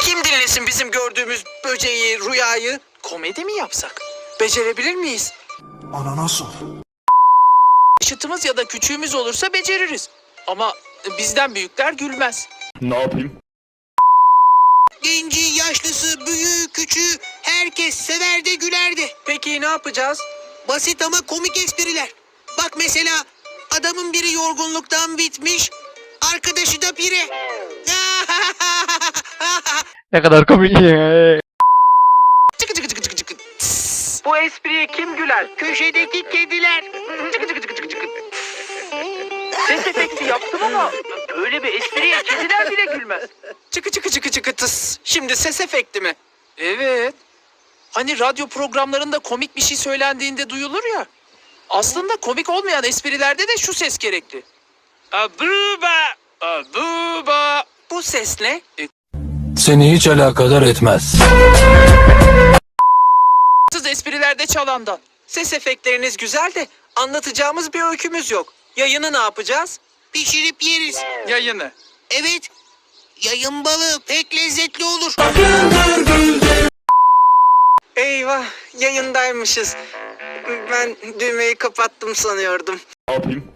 Kim dinlesin bizim gördüğümüz böceği, rüyayı? Komedi mi yapsak? Becerebilir miyiz? Nasıl? Yaşıtımız ya da küçüğümüz olursa beceririz. Ama bizden büyükler gülmez. Ne yapayım? Genci, yaşlısı, büyüğü, küçüğü herkes sever de güler de. Peki ne yapacağız? Basit ama komik espriler. Bak mesela adamın biri yorgunluktan bitmiş, arkadaşı da pire. Ne kadar komik ya. Çıkı çıkı çıkı çıkı çıkı. Tıs. Bu espriye kim güler? Köşedeki kediler. Çıkı çıkı çıkı çıkı çıkı. Ses efekti yaptım ama böyle bir espriye kediler bile gülmez. Çıkı çıkı çıkı çıkı tıs. Şimdi ses efekti mi? Evet. Hani radyo programlarında komik bir şey söylendiğinde duyulur ya. Aslında komik olmayan esprilerde de şu ses gerekli. Abuba, abuba. Bu ses ne? Seni hiç alakadar etmez. Siz esprilerde çalandan. Ses efektleriniz güzel de anlatacağımız bir öykümüz yok. Yayını ne yapacağız? Pişirip yeriz. Yayını? Evet. Yayın balığı pek lezzetli olur. Eyvah, yayındaymışız. Ben düğmeyi kapattım sanıyordum. Ne yapayım?